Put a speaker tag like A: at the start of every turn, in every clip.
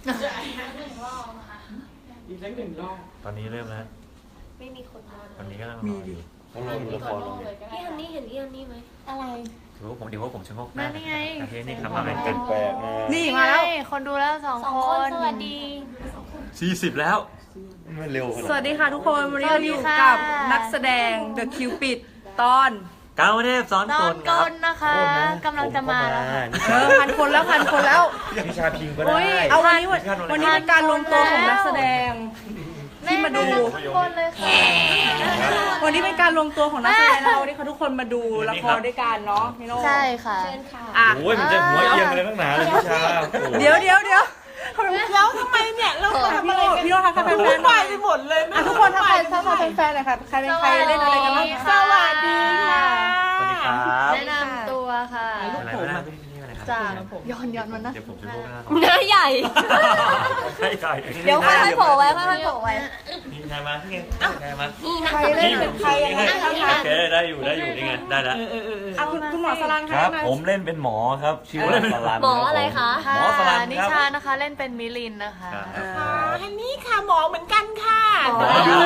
A: อีกสักหนึ่งรอบ
B: ตอนนี้เริ่มแล้ว
C: ไม่มีคนมา
B: ตอนนี้ก็มีดิ
D: ต้องรอดูละครลงเนี่ย
C: พี่ฮันนี่เห็นพี่ฮันนี่ไหม
E: อะไร
B: เดี๋ยวผมชะโงกหน้า
F: นั่นไง
B: ประเทศนี้ครับมาเป็น
D: แปลกๆนะ
E: นี่มาแล้ว
F: คนดูแล้วสอง
C: สอง
F: ค
C: คน
F: น
C: สวัสดี
B: 40แล้ว
D: ไม่เร็วขนาด
E: สวัสดีค่ะทุกคนวันนี้เราอยู่
F: สวัสดีค่ะ
E: กับนักแสดง The Cupid ตอน
B: ก้าวเทพซ้อน
F: ต
B: ค
F: อน
B: นค
F: ก
B: รับ
F: ลนะคะกำลังจะมาแล้วค่ะ
E: พันคนแล้ว
D: นิชาพิงก็ได้
E: อุ้ยเอาวันนี้เป็นการรวมตัวของนักแสดง ที่มาดู
F: ทุกคนเลยค่ะ
E: วันนี้เป็นการรวมตัวของนักแสดงเราวันนี้เขาทุกคนมาดูละครด้วยกันเนาะพี่โน่
F: ใช่ค่ะ
C: เชิญค่ะ
E: อ่ะ
D: โอ้ยมันจะหัวเอียงเลยตั้งนานเลยนิชาโอ้โห
E: เดี๋ยวแล้วทำไมเนี่ยเราทำอะไรกันพี่โน่ทักทายแฟนๆหน่อยไปหมดเลยนะทุกคนทักทายแฟนๆหน่อยค่ะใครเป็นใครเล่นอะไรกันบ้าง
F: สวัสดีค่ะ
B: สวัสดีครับ
F: แนะนำตัวค่ะ
B: อะไรไม่ได้ที่อะไรครับ
F: จากย้อนมันนะ
B: เดี๋ยวผมจะโงกหน้า
C: หน้าใหญ่
B: ใช่
C: เดี๋ยวค่อยๆโผล่ไว้ค่อยๆโผล่ไว้
B: นี่ไงมานี่ไงไงมา
C: นี่นะ
E: ใครเล่นเป็นใครยังไงคะ
B: โอเคได้อยู่นี่ไงได้แล้ว
E: อ่ะคุณหมอสลัน
D: ครับ ผมเล่นเป็นหมอครับ ชื่อว่าสลัน
C: หมออะไรคะ
D: หมอสลัน
F: นิ
D: ครับ
F: ชานะคะเล่นเป็นมิลินนะคะ
E: ฮันนี่ค่ะหมอเหมือนกันค่ะ
C: หมอดู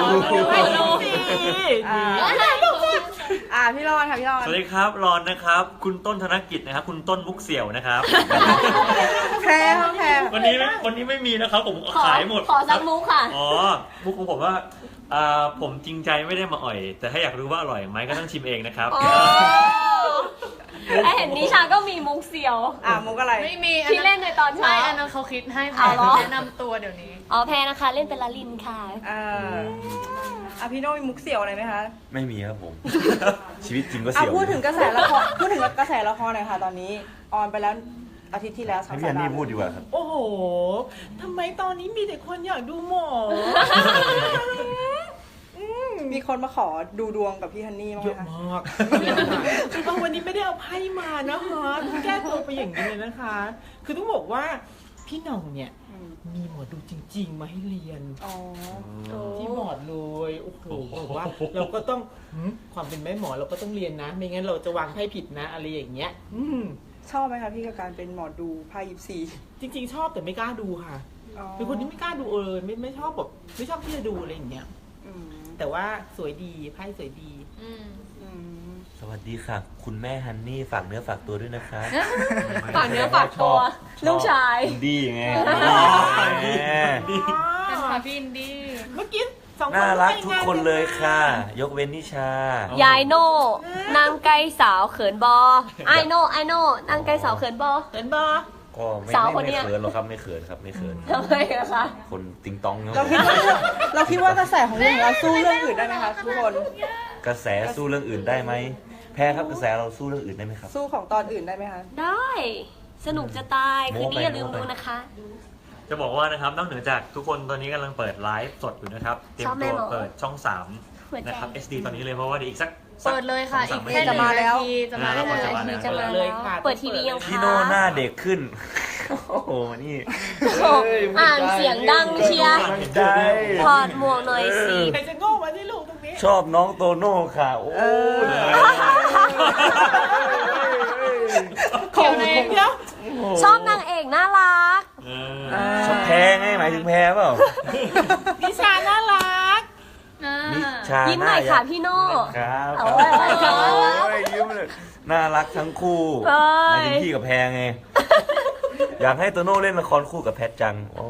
E: พี่รอนค่ะพี่รอน
B: สวัสดีครับรอนนะครับ คุณต้นธนกิจนะครับ คุณต้นมุกเสี่ยวนะครับ
E: แพรค่ะแพร
B: วันนี้ไม่มีนะครับ ผม
C: ขอ
B: ขายหมด
C: ขอซักมุกค่ะ
B: อ๋อมุกของผมว่าผมจริงใจไม่ได้มาอ่อย แต่ถ้าอยากรู้ว่าอร่อยไหมก็ต้องชิมเองนะครับ
C: โอ้ไอเห็นนิชาก็มีมุกเสียว
E: มุกอะไร
F: ไม่มี
C: ที่เล่นในตอน
F: ไม่
C: เช้า
F: อันนั้นเขาคิดให้
C: เอาเหรอ
F: แนะนำตัวเดี๋ยวนี้
C: อ๋อแพรนะคะเล่นเป็นลาลินค่ะ
E: พี่โน่มีมุกเสี่ยวอะไรไหมคะ
D: ไม่มีครับผม ชีวิตจริงก็เสียว
E: พูดถึงกระแสละครหน่อยค่ะตอนนี้ออนไปแล้วอาทิตย์ที่แล้ว
D: ให้พี่อันนี่พูดดีกว่าครับ
A: โอ้โหทำไมตอนนี้มีแต่คนอยากดูหมอ
E: มีคนมาขอดูดวงกับพี่ฮันนี่บ้าง
A: เย
E: ไหม
A: อะ
E: คะ
A: มากคือวันนี้ไม่ได้เอาไพ่มานะคะแก้ตัวไปอย่างนี้เลยนะคะ คือต้องบอกว่าพี่หน่องเนี่ยมีหมอดูจริง ๆ มาให้เรียน
E: อ๋อ
A: ที่บอร์ดเลยโอ้โหบอกว่าเราก็ต้องความเป็นแม่หมอเราก็ต้องเรียนนะ ไม่งั้นเราจะวางไพ่ผิดนะอะไรอย่างเงี้ย
E: ชอบไหมคะพี่กับการเป็นหมอดูไพ่ยิปซี
A: จริง ๆ ชอบแต่ไม่กล้าดูค่ะเป็นคนที่ไม่กล้าดูเลยไม่ชอบแบบไม่ชอบที่จะดูอะไรอย่างเงี้ยแต่ว่าสวยดีไพ่สวยดี
D: สวัสดีค่ะ คุณแม่ฮันนี่ฝากเนื้อฝากตัวด้วยนะคะ
C: ฝากเนื้อฝากตัวลูกชาย
D: ดีไง
F: เป็นค่ะพี่อินดี้
A: เมื่อกี้สองคน
D: น่ารักทุกคนเลยค่ะ ยกเว้นนิชา
C: ยายโน่นางไก่สาวเขินบอไอโน่นางไก่สาวเขินบอ
A: เห็นบอ
D: ก็ไม่
C: สาวคนเนี้
D: ไม่
C: ย
D: เขินหรอกครับไม่เขินครับไม่เขิน
C: ทำไมอะคะ
D: คนติงตองเนาะ
E: เราคิดว่ากระแสของเรื่องเราสู้เรื่องอื่นได้ไหมคะทุกคน
D: กระแสสู้เรื่องอื่นได้ไหมแพ้ครับกระแสเราสู้เรื่องอื่นได้ไหมครับ
E: สู้ของตอนอื่นได้ไหมคะ
C: ได้สนุกจะตายคืนนี้อย่าลืมดูนะคะ
B: จะบอกว่านะครับนอกเหนือจากทุกคนตอนนี้กำลังเปิดไลฟ์สดอยู่นะครับ เตรียม
C: ชอบแม่
B: ตัว
C: หมอ
B: เปิดช่อง
C: หัว
B: 3
C: ใจ
B: นะครับ SD ตอนนี้เลยเพราะว่าเดี๋ยวอีกสัก
F: เปิดเลยค่ะ
B: ส
F: อี
B: ง
F: ก
B: สา
F: แค่
B: นา
F: 1 นาที
B: จะ
F: จะ
B: มา
F: มา
B: แล้ว
F: ได้
C: 1 นาทีจะมา
A: เลยค่ะ
C: เปิดทีวียังคะ
D: พี่โน่หน้าเด็กขึ้น โอ้โหนี่
C: อ่านเสียงดังเชียร์
D: ได้
C: ถอดหมวกหน่อยสิ
A: ใครจะโง่มาที่ลูกตรงนี้
D: ชอบน้องโตโน่ค่ะ โอ้ย
F: เกี่ยวใน
A: เดี๋ยว
C: ชอบนางเอกน่ารัก
D: ชอบแพ้ไงหมายถึงแพ้เปล่า
A: นิชาน่ารัก
D: นิชา
C: ยิ้มหน่อยค่ะพี่โน่
D: ครับ
C: เอาไว้
D: โอ้ยยิ้มเลยน่ารักทั้งคู่
C: เอ้ย
D: หมายถึงพี่กับแพรไง อยากให้โตโน่เล่นละครคู่กับแพทจังโอ้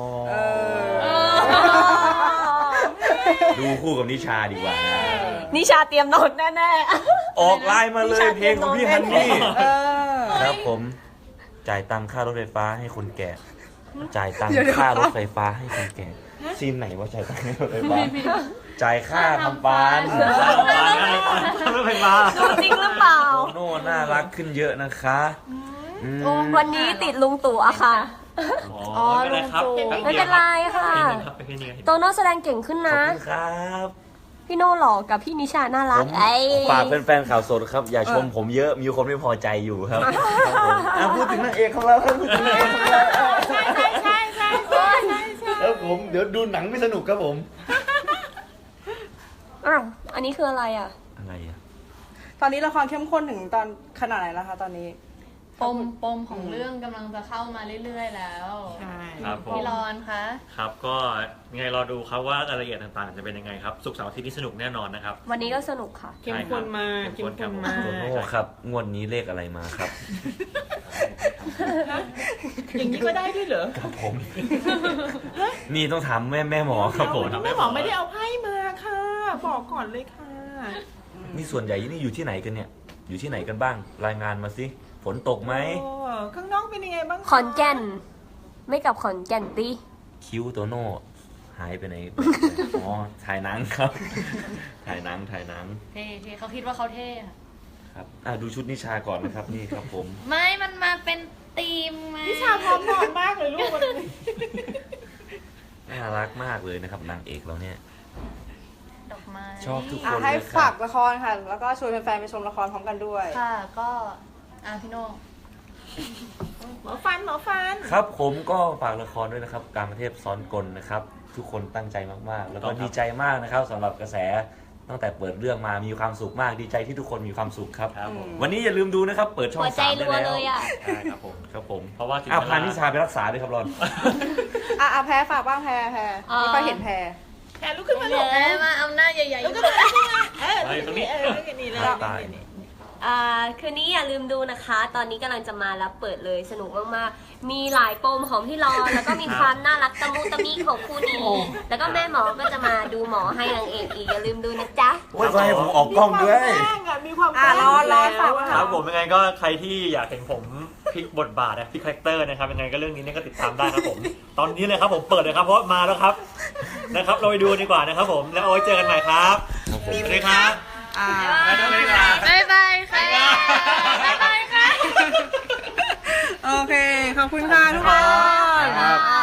D: ดูคู่กับนิชาดีกว่านะ
C: นิชาเตรียมโน้ตแน่
D: ออกไลน์มาเลยเพลงของพี่ฮันนี่
E: เออ
D: ครับผม จ่ายตังค่ารถไฟฟ้าให้คนแก่ จ่ายตังค่ารถไฟฟ้าให้คนแก่ซีนไหนว่าจ่ายตังค์ให้รถไฟฟ้าจ่ายค่าทำฟัน
B: รถไฟฟ้า
C: ๆดูจริงหรือเปล่า
D: โตโน่น่ารักขึ้นเยอะนะคะม
C: วันนี้ติดลุงตู่อะค่ะ
B: อ๋อไม่เป็นไรครับ
C: ไม่เป็นไรค่ะ
B: เพลงนึงครับ
C: โตโน่แสดงเก่งขึ้น
D: ขอบ
C: นะ
D: คุณครับ
C: พี่โน่หล่อกับพี่นิชาน่ารั
D: ผ
C: ก
D: ม
C: ไอ้
D: ฝากแฟนๆข่าวสดครับ อย่าชมผมเยอะมีคนไม่พอใจอยู่ครับพูดถึงนางเอกของเราครับพูดถึงนางเอกของเรา
A: ใช่
D: ครับผมเดี๋ยวดูหนังไม่สนุกครับผม
C: อ้าวอันนี้คืออะไรอ่ะ
D: อะไรอ่ะ
E: ตอนนี้ละครเข้มข้นถึงตอนขนาดไหนแล้วคะตอนนี้
F: ปมของเรื่องกำลังจะเข้ามาเรื่อยๆแล้ว
A: ใช่
B: ครับผม
F: พี่รอนคะ
B: ครับก็ยังไงรอดูครับว่ารายละเอียดต่างๆ จะเป็นยังไงครับศุกร์เสาร์อาทิตย์นี้สนุกแน่นอนนะครับ
C: วันนี้ก็สนุกค่ะ
A: เข้มข้นมาก
B: เข้
A: เข้
B: ม
A: ม
B: ข้
A: ข้
B: น
A: น
B: ครั
A: มา
B: บ
D: โตโน่
A: ก
D: ครับงวดนี้เลขอะไรมาครับ
A: อย่างนี้ก็ได้ด้วยเหรอ
D: ครับผม นี่ต้องถามแม่หมอครับผม
A: แม่หมอไม่ได้เอาไพ่มาค่ะ บอกก่อนเลยค่ะ
D: นี่ส่วนใหญ่นี่อยู่ที่ไหนกันเนี่ย อยู่ที่ไหนกันบ้าง รายงานมาสิฝนตกไหม
A: โอ้ข้างนอกเป็นยังไงบ้างคะ
C: ขอนแก่น ไม่กลับขอนแก่นตี
D: คิ้วโตโน่หายไปไหน อ๋อถ่ายหนังครับ ถ่ายหนัง
F: เท่เขาคิดว่าเขาเท่อะ
D: ครับดูชุดนิชาก่อนนะครับนี่ครับผม
F: ไม่มันมาเป็นธีมมา
A: นิชาพร้อมนอนมากเลยลูกวันนี้
D: น่ารักมากเลยนะครับนางเอกเราเนี่ย
F: ดอกไม้
D: ชอบทุกคน
E: ให้
D: เลยค
E: ฝา
D: รั
E: ก
D: บ
E: ละครค่ะ แล้วก็ชวนแฟนๆไปชมละครพร้อมกันด้วย
F: ค่ะก็พี่โน่
A: หมอฟัน
D: ครับผมก็ฝากละครด้วยนะครับ การประเทศซ้อนกลนะครับ ทุกคนตั้งใจมากๆ แล้วก็ดีใจมากนะครับสำหรับกระแสตั้งแต่เปิดเรื่องมามีความสุขมากดีใจที่ทุกคนมีความสุขครับ
B: ครับผม
D: วันนี้อย่าลืมดูนะครับ เปิดช่อง
C: หัวใจ
D: 3
C: รั
D: ได้
C: ว
D: แล้ว
C: เลยอ่ะ
B: ใช่ครับผม
D: ครับผม
B: เพราะว่าถึง
D: พานิชาไปรักษาด้วยครับรอน
E: แพ้ฝากบ้างแพ้ไม่ค่อยเห็นแพ้
A: แขนลุกขึ้นมาลูก
F: มาเอาหน้าใหญ่
A: ลุกขึ้นมาตรงนี้นี่เลย
D: ตาย
C: คืนนี้อย่าลืมดูนะคะ ตอนนี้กำลังจะมาแล้วเปิดเลยสนุกมากๆ มีหลายปมของพี่รอนแล้วก็มีความน่ารักตะมุตะมิของคู่นี้ แล้วก็แม่หมอก็จะมาดูหมอให้นางเอกอีกอย่าลืมดูนะจ๊ะ
D: โอ้ยก็ให้ผมออกกล้องด้วย
A: มีความแกล้ง
E: รอฝาก
B: ครับผมยังไงก็ใครที่อยากเห็นผมพลิกบทบาทนะพลิกคาแรคเตอร์นะครับยังไงก็เรื่องนี้เนี่ยก็ติดตามได้ครับผม ตอนนี้เลยครับผมเปิดเลยครับเพราะมาแล้วครับนะครับเราไปดูดีกว่านะครับผมแล้วเอาไว้เจอกันใหม่ครับสวัสดีครับบ๊ายบาย
F: ๆบ๊ายบายค่ะบ๊ายบายค่ะ
E: โอเค ขอบคุณค่ะทุกคน
D: ครับ